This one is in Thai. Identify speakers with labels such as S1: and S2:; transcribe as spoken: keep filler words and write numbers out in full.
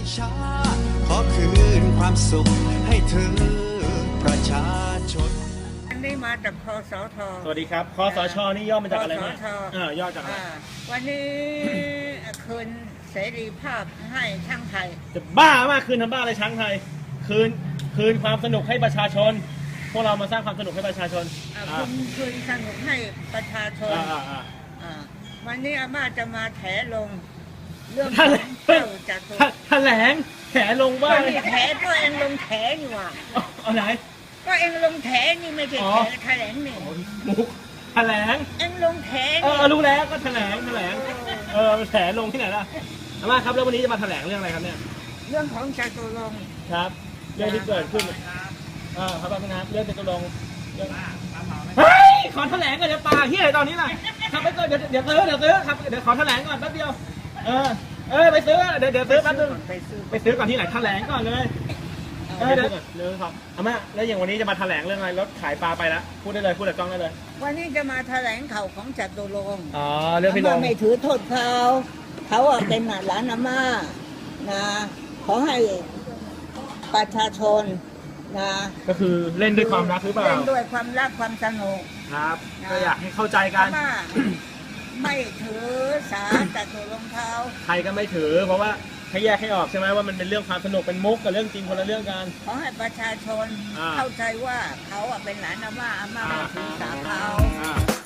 S1: ชาติขอคืนความสุขให้เธอประชาชน
S2: อันนี้มาจากคสท.
S3: สวัสดีครับคสชนี่ย่อมาจากอะไร
S2: คส
S3: นะ
S2: ช.
S3: เออย่อจากอะไร
S2: อ่าวันนี้คืนเสรีภาพให้ช่างไทย
S3: จะบ้ามากคืนทำบ้าอะไรช้างไทยคืนคืนความสนุกให้ประชาชน พวกเรามาสร้างความสนุกให้ประชาชน
S2: อ่า
S3: อ่า
S2: คืนคืนสนุกให้ประชาชน
S3: อ่าอ่าอ่า
S2: อ่าวันนี้อาม่าจะมาแถลงเรื่อง
S3: แถลง
S2: เจ้าจตุ
S3: แถลงแถลงว่า
S2: ก็นี่แถก็เองลงแถนี่หว่า
S3: เอาเอาไหน
S2: ก็เองลงแถนี่ไม่ใช่
S3: อ๋อ
S2: แถแถลงนี่
S3: มุกแถลง
S2: เองลงแถ
S3: เอ
S2: นี่
S3: อรู้แล้วก็แถลงแถลงเออแถลงที่ไหนล่ะอาม่าครับแล้ววันนี้จะมาแถลงเรื่องอะไรครับเนี่ย
S2: เรื่องของจตุรงค์
S3: ครับเรื่องที่เกิดขึ้นอ่าครับพี่นะเรื่องจตุรงค์เรื่องเฮ้ยขอแถลงก่อนเดี๋ยวปลาเฮียอะไรตอนนี้ล่ะครับไปก่อนเดี๋ยวเดี๋ยวซื้อเดี๋ยวซื้อครับเดี๋ยวขอแถลงก่อนแป๊บเดียวเออเออไปซื้อเดี๋ยวเดี๋ยวซื้อแป๊บนึง
S2: ไปซื้อ
S3: ไปซื้อก่อนที่ไหนแถลงก่อนเลยเออเดี๋ยวเดี๋ยวครับอาม่าแล้วอย่างวันนี้จะมาแถลงเรื่องอะไรรถขายปลาไปแล้วพูดได้เลยพูดกับกล้องได้เลย
S2: วันนี้จะมาแถลงข่าวของจตุรงค์
S3: อ๋อเรื่องพี่น
S2: อาง ม่าไม่ถือโทษเขาเขาอะเป็นหลานอาม่านะขอให้ประชาชนนะ
S3: ก็คือเล่นด้วยความรักหรือเปล่า
S2: เล่นด้วยความรักความสนุก
S3: ครับก็อยากให้เข้าใจกั
S2: อาน ม่าไม่ถือสาจตุรงค์เขา
S3: ใครก็ไม่ถือ เพราะว่าให้แยกให้ออกใช่ไหมว่ามันเป็นเรื่องความสนุกเป็นมุกกับเรื่องจริงคนละเรื่องกัน
S2: ขอให้ประชาชน
S3: อ่า
S2: เข้าใจว่าเขาอะเป็นหลานอาม่าอาม่าไม่ถือสาเขา
S3: อ่า